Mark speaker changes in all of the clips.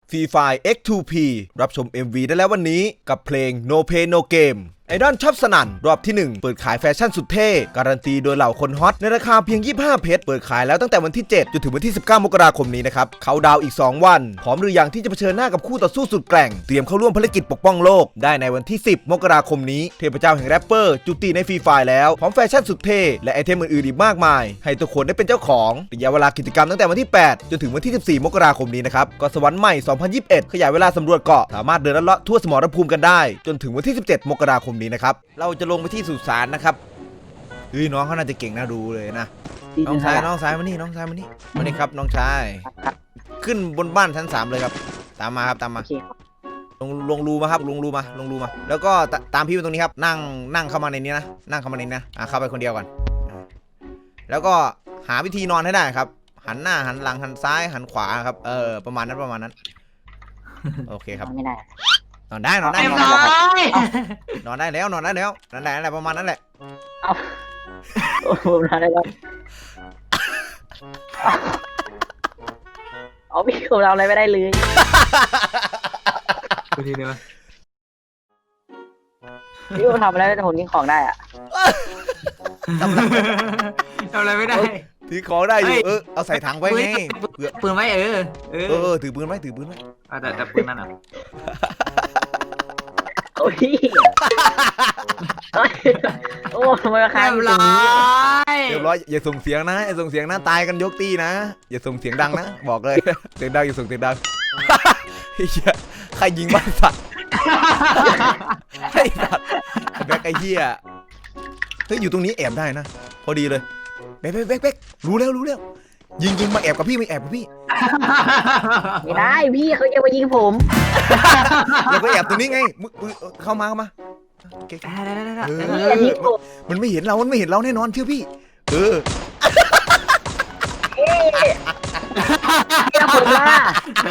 Speaker 1: Free Fire X2P รับชม MV ได้แล้ววันนี้กับเพลง No Pay No Game ไอดอลชอบสนั่นรอบที่ 1 เปิดขายแฟชั่นสุดเท่การันตีโดยเหล่าคนฮอตในราคาเพียง25เพชรเปิดขายแล้วตั้งแต่วันที่7จนถึงวันที่19มกราคมนี้นะครับเขาดาวอีก2วันพร้อมหรือยังที่จะเผชิญหน้ากับคู่ต่อสู้สุดแกร่งเตรียมเข้าร่วมภารกิจปกป้องโลกได้ในวันที่10มกราคมนี้เทพเจ้าแห่งแรปเปอร์จุติในฟรีไฟล์แล้วพร้อมแฟชั่นสุดเท่และไอเทมอื่นๆอีกมากมายให้ทุกคนได้เป็นเจ้าของระยะเวลากิจกรรมตั้งแต่วันที่8จนถึงวันที่14มกราคมนี้นะครับเกาะสวรรค์ใหม่2021ขยายเวลาสำรวจเกาะสามารถเดินลัดเลาะทั่วสมรภูมิกันได้จนถึงวันที่17มกราคมนี้นะครับเราจะลงไปที่สุสานนะครับเฮ้ยน้องเขาน่าจะเก่งน่าดูเลยนะน้องชายมานี่น้องชายมานี่มานี่ครับน้องชายขึ้นบนบ้านชั้น3เลยครับตามมาครับตามมาลงรูมาครับลงรูมาแล้วก็ตามพี่มาตรงนี้ครับนั่งเข้ามาในนี้นะนั่งเข้ามาในนี้นะเข้าไปคนเดียวก่อนแล้วก็หาวิธีนอนให้ได้ครับหันหน้าหันหลังหันซ้ายหันขวาครับประมาณนั้นโอเคครับไม่ได้นอนได้นอนได้แล้วนั่นแหละประมาณนั้นแหละ
Speaker 2: ผมนอนได้แล้วเอาพี่ผมทำอะไรไม่ได้เลย
Speaker 3: ทีเดียว
Speaker 2: พี่ผมทำอะไรแต่ผมยิงของได้อะ
Speaker 3: ทำอะไรไม่ได้
Speaker 1: ถือของได้อยู่เอาใส่ถังไว้ไง
Speaker 3: ปืนไว้
Speaker 1: ถือปืนไว้แต่
Speaker 3: ปืนนั่นอ่ะ
Speaker 2: โอ้ยโอ้ทำไมราคา
Speaker 3: เรี
Speaker 1: ยบร้อยอย่าส่งเสียงนะตายกันยกตีนะอย่าส่งเสียงดังนะบอกเลยเสียงดังอย่าส่งเสียงดังใครยิงบ้านสัตว์ไอ้สัตว์แบ็คไอ้เหี้ยเฮ้ยอยู่ตรงนี้แอบได้นะพอดีเลยแบ็ครู้แล้วยิงมาแอบกับพี่ไม่แอบกับพี่
Speaker 2: ไม่ได้พี่เขาจะมายิงผม
Speaker 1: เราก็แอบตรงนี้ไงเข้ามามันไม่เห็นเราแน่นอนเชื่อพี่
Speaker 2: ผมล่ะ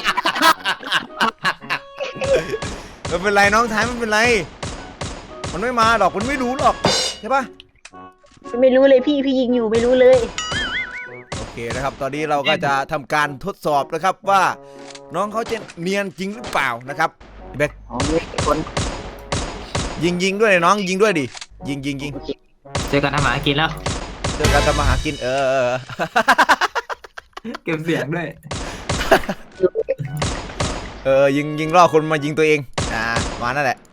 Speaker 1: ไม่เป็นไรน้องชายไม่เป็นไรมันไม่มาหรอกมันไม่รู้หรอกใช่ปะ
Speaker 2: ไม่รู้เลยพี่ยิงอยู่ไม่รู้เลย
Speaker 1: โอเคนะครับตอนนี้เราก็จะทำการทดสอบนะครับว่าน้องเขาจะเนียนจริงหรือเปล่านะครับแบ็คยิงด้วยน้องยิงด้วยดิยิง
Speaker 3: เจอกันทำมาหากินแล้ว
Speaker 1: เจอกันทำมาหากิน
Speaker 3: เก็บเสียงด้วย
Speaker 1: ยิงล่อคนมายิงตัวเองมานั่นแหละ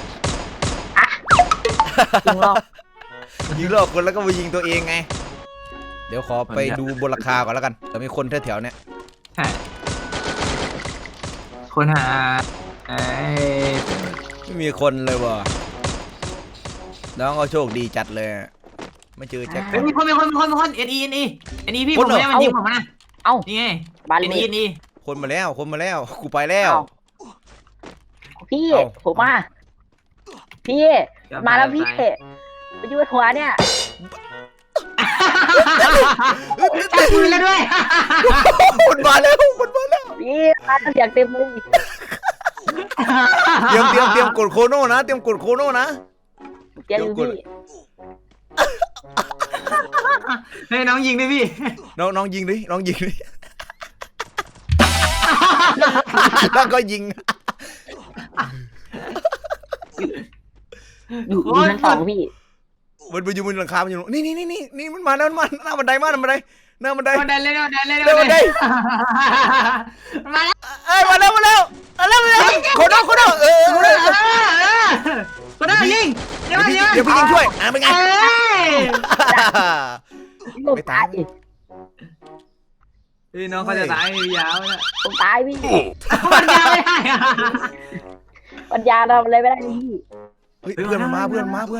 Speaker 1: ยิงล่อคนแล้วก็มายิงตัวเองไงเดี๋ยวขอไปดูบนราคาก่อนแล้วกันแต่มีคนแถวๆเนี้ย
Speaker 3: คนหา
Speaker 1: ไม่มีคนเลยว่ะน้องก็โชคดีจัดเลยไม่เจอแจ็ค
Speaker 3: มีคนเอ็นอีพี่ผมไม่มันยิงผมนะนี่ไง
Speaker 2: บ้าน
Speaker 3: นี้
Speaker 1: คนมาแล้วกูไปแล้ว
Speaker 2: พี่ผมมาพี่มาแล้วพี่ไปยืดหัวเนี่ย
Speaker 3: จับปืนแล้วด้วย
Speaker 1: คนมาแล้ว
Speaker 2: พี่มาเสียงเต็มเลย
Speaker 1: เตรียมกดโคโน่นะเตรียมกดโคโน่นะ
Speaker 2: เตรียมพี่
Speaker 3: ให้น้องยิงดิพี่
Speaker 1: น้องยิงดิแล้วก็ยิง
Speaker 2: อยู่ชั้น2พี่
Speaker 1: มันไปอยู่บนหลังคามันอยู่นี่มันมาแล้วมันหน้าบันไดหน้าบันได
Speaker 3: เลยมาแล้ว
Speaker 1: โคโน่
Speaker 3: คนน่ายิง
Speaker 1: เดี๋ยวพี่ยิงช่วยเป็นไง
Speaker 2: ไม่ตาย
Speaker 3: พี่น้องเขาจะตายพี่ยาวนะ
Speaker 2: ผมตายพี่
Speaker 3: ปัญญาไม่ได้
Speaker 2: ปัญญาทำอะไรไม่ได้พี่
Speaker 1: เพื่อนมันมาพี่ตาย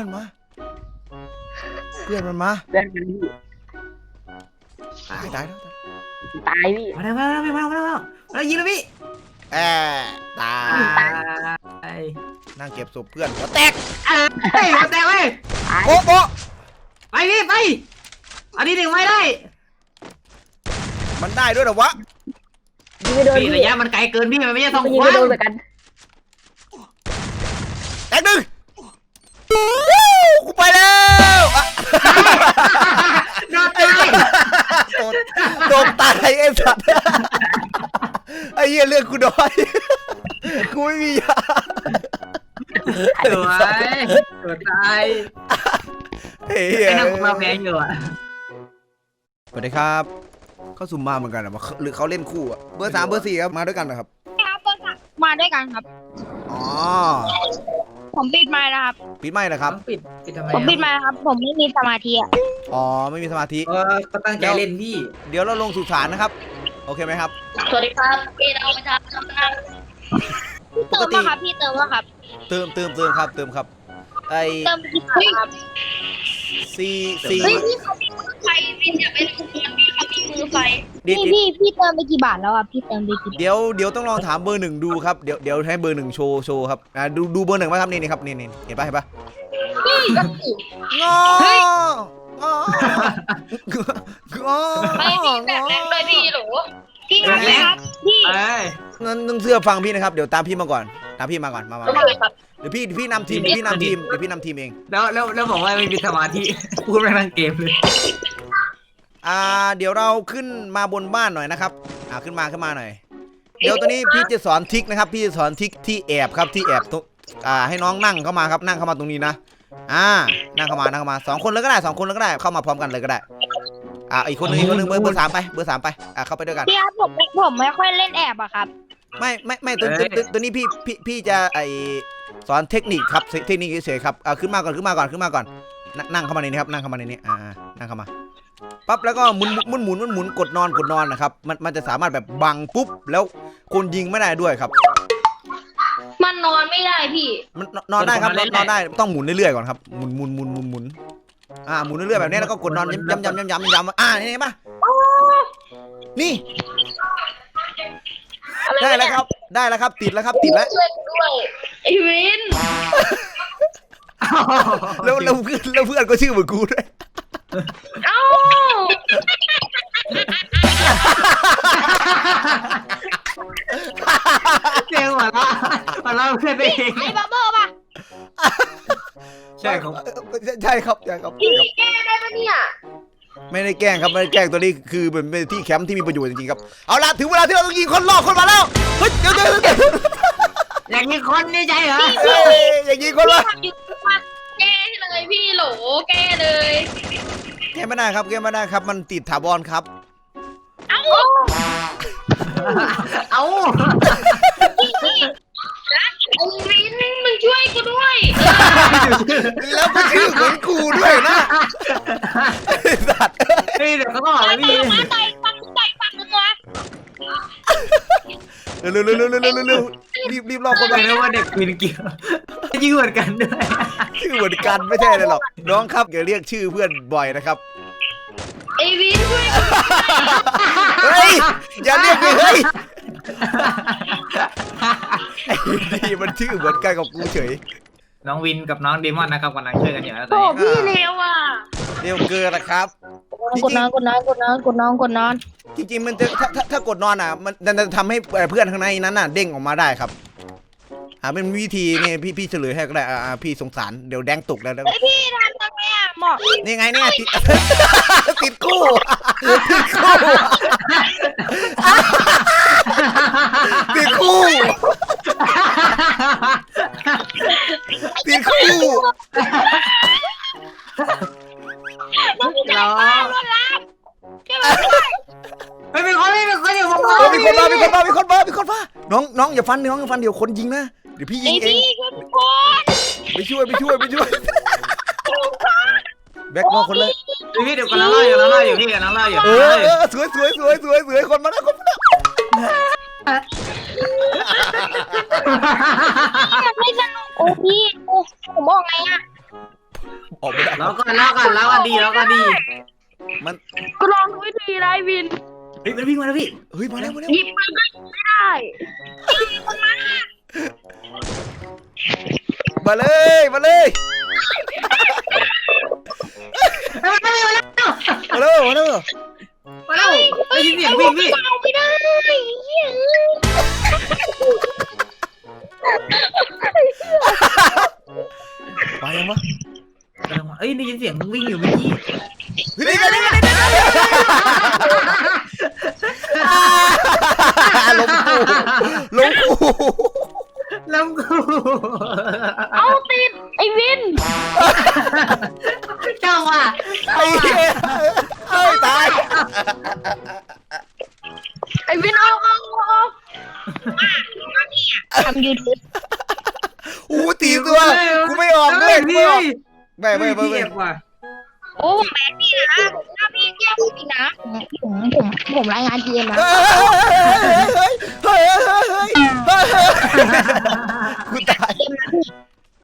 Speaker 2: พี่
Speaker 3: มาแล้วยิงแล้วพี่
Speaker 1: ตายนั่งเก็บศพเพื่อนหัวแตก
Speaker 3: หัวแตกเว้ย
Speaker 1: โอ้
Speaker 3: ไปพี่ไปอันนี้ถึงไม่ได้
Speaker 1: มันได้ด้วยหรอวะ
Speaker 3: พี่ระยะมันไกลเกินพี่มันไม่ใช่ทองคว้า
Speaker 2: โดนเหมือนกัน
Speaker 1: แตกหนึ่งกูไปแล้วโดนตายไอ้สัตว์ไอ้เหี้ยเลือดกูน้อยกูไม่มียา
Speaker 3: สวยตัวตาย
Speaker 1: เฮ้ย
Speaker 3: ไอ้นั่นมาแพงอยู่อ่ะ
Speaker 1: สวัสดีครับเขาสุ่มมาเหมือนกันอะหรือเขาเล่นคู่อะเบอร์ 3 เบอร์ 4ครับมาด้วยกันนะครับ
Speaker 4: ครับเบอร์สามมาด้วยกันครับ
Speaker 1: อ๋อ
Speaker 4: ผมปิดไมค์นะครับ
Speaker 1: ปิดไม่นะครับ
Speaker 3: ปิดทำไม
Speaker 4: ผมปิดไมค์ครับ ผมไม่มีสมาธิอ่ะ
Speaker 1: อ๋อไม่มีสมาธิ
Speaker 3: ก็ตั้งใจเล่นพี่
Speaker 1: เดี๋ยวเราลงสู่ศาลนะครับโอเคไหมครับ
Speaker 4: สวัสดีครับพี่เราประชาชนนะเติมมาครับพี่เติมมาครับ
Speaker 1: เติมครับไอ
Speaker 4: เติมกี่บาทครับ
Speaker 1: ซี
Speaker 4: เฮ้ยพี่เขามีมือไฟพี่อย่าเป็นคนพี่เขามีมือไฟ
Speaker 1: ดิ
Speaker 4: พี่เติมไปกี่บาทแล้วอ่ะพี่เติมไปกี่บาท
Speaker 1: เดี๋ยวต้องลองถามเบอร์ 1ดูครับเดี๋ยวให้เบอร์ 1โชว์ครับดูเบอร์ 1ไหมครับนี่ครับนี่เห็นปะ
Speaker 4: พี่ก็สิ
Speaker 1: งอ
Speaker 4: ไม่พี่แบบแรงเลยพี่หรอพี่ครับพี่
Speaker 3: เอ้ย
Speaker 1: นั่นเสื้อฟังพี่นะครับเดี๋ยวตามพี่มาก่อนมา
Speaker 4: โอเคครับ
Speaker 1: เดี๋ยวพี่นำทีมเอง
Speaker 3: แล้วบอกว่าไม่มีสมาธิพูดไม่ทั้งเกมเลย
Speaker 1: เดี๋ยวเราขึ้นมาบนบ้านหน่อยนะครับขึ้นมาหน่อยเดี๋ยวตอนนี้พี่จะสอนทริคนะครับพี่จะสอนทริคที่แอบครับที่แอบให้น้องนั่งเข้ามาครับนั่งเข้ามาตรงนี้นะนั่งเข้ามา2 คนเลยก็ได้เข้ามาพร้อมกันเลยก็ได้อีกคนนึงเบอร์ 3ไปเข้าไปด้วยกัน
Speaker 4: พี่ครับผมไม่ค่อยเล่นแอบอะครับ
Speaker 1: ไม่ตัวนี้พี่จะสอนเทคนิคครับเทคนิคเฉยๆครับขึ้นมาก่อนนั่งเข้ามาในนี้ครับนั่งเข้ามาในนี้นั่งเข้ามาปั๊บแล้วก็หมุนกดนอนนะครับมันจะสามารถแบบบังปุ๊บแล้วคนยิงไม่ได้ด้วยครับ
Speaker 4: มันนอนไม่ได้พี่
Speaker 1: มันนอนได้ครับนอนได้ต้องหมุนเรื่อยๆก่อนครับหมุนหมุนเรื่อยๆแบบนี้แล้วก็กดนอนย้ำนี่เห็นปะนี่ได้แล้วครับติดแล้ว
Speaker 4: ช่วยด้วยไอวิน
Speaker 1: แล้วเพื่อนก็ชื่อเหมือนกูด้วย
Speaker 4: เอ้า
Speaker 3: เจ๋งหัวเราเพื่อนเอง
Speaker 4: ไอ้บับเบิ้ลป่ะ
Speaker 3: ใช่ครับ
Speaker 1: ใช่ครับ
Speaker 4: พี่แก้ได้ปะเนี่ย
Speaker 1: ไม่ได้แกล้งครับไม่ได้แกล้งตัวนี้คือเป็นที่แคมป์ที่มีประโยชน์จริงๆครับเอาล่ะถึงเวลาที่เราต้องยิงคนล่อคนมาแล้วเฮ้ยเดี๋ยว
Speaker 3: อย่างนี้คนนี่ใจเหรอ
Speaker 1: อย่างยิงคนละ
Speaker 4: แก้เลยพี่โหลแก้เลย
Speaker 1: แกไม่ได้ครับมันติดถาวรครับ
Speaker 4: เอ้า
Speaker 3: เอา
Speaker 4: ไอ้วินมึงช่วยกูด้วย
Speaker 1: แล้วก็ชื่อเหมือนกูด้วยนะสัตว์
Speaker 3: นี่เดี๋ยวเขาบอกเลยพี่
Speaker 4: มาต่อยฟังนึงวะ
Speaker 1: เร็วรีบรอคน
Speaker 3: บ
Speaker 1: มา
Speaker 3: อกเลยว่าเด็กวินเกี่ยวยิ่งเหมือนกันด้วย
Speaker 1: ชื่อเหมือนกันไม่ใช่เลยหรอกน้องครับอย่าเรียกชื่อเพื่อนบ่อยนะครับ
Speaker 4: ไอ้วินช่วย
Speaker 1: เฮ้ยอย่าเรียกเลยเฮ้ยไอ้นี่มันชื่อเหมือนกันกับกูเฉย
Speaker 3: น้องวินกับน้องเดมอนนะครับกำลังช่วยกันอยู่นะตอน
Speaker 4: โอ้
Speaker 3: นี้
Speaker 4: พี่เร็วอ่ะ
Speaker 1: เร็วเกินนะครับ
Speaker 4: กดนอน
Speaker 1: จริงๆมันจะถ้ากดนอนมันจะทำให้เพื่อนข้างในนั้นเด้งออกมาได้ครับเป็นวิธีนี่พี่เฉลยให้ก็ได้พี่สงสารเดี๋ยวแดงตกแล้ว
Speaker 4: ไอพี่ทำยังไงอ่ะหมอก
Speaker 1: นี่ไงเนี่ยติดคู่ติดคู่
Speaker 4: น้องพี่ใจบ้านรถลับใช่ไหม
Speaker 3: ไม่เป็นคนอยู่ผม
Speaker 1: มีคนมาน้องอย่าฟันเดี๋ยวคนยิงนะเดี๋ยวพี่ยิ
Speaker 4: ไอง
Speaker 1: เอง
Speaker 4: พี่คุณคน
Speaker 1: ไปช่วยแบ็คมอคนเลย
Speaker 3: พี่เดี๋ยวกำลังเล่าอยู่พี่กำลังเล่าอยู่
Speaker 1: สวยคนมาแล้ว
Speaker 4: ไม่สนุกโอ้พี่โอ้ผมบอกไงอ่ะ
Speaker 1: ออกไม่ได้
Speaker 3: แล้วก็ดี
Speaker 1: มัน
Speaker 4: ก็ลองดูวิธีไรวิน
Speaker 3: เฮ้ยมันวิ่งมาแล้วพี่
Speaker 1: เฮ้ยมาแล้ว
Speaker 4: หยิบมันไม่ได้
Speaker 1: มาเลย
Speaker 3: มาแล้ว ได้ยินเสียงวิ่งพี่
Speaker 4: เอาไม่ได้เหี้ย
Speaker 1: ไปยังวะ
Speaker 3: เอ้ยได้ยินเสียงวิ่งอยู่เมื่อกี้
Speaker 1: นี่ลมกูลงกู
Speaker 3: แล้วกู
Speaker 2: เอาติดไอ้วิน
Speaker 3: เจ้าว่ะ
Speaker 1: ไอ้เหี้ยเอ้ยตาย
Speaker 2: ไอ้วินเอา
Speaker 4: ทำยูทูบ
Speaker 1: อู้ตีตัวกูไม่ออกด้วยกูไม่ออกไม่
Speaker 3: พี่เอฟว่ะ
Speaker 4: โอ้ผมแบนพี่นะถ้าพี่แย่ผมอีกนะผมรายงานเกมนะ
Speaker 1: เฮ้ย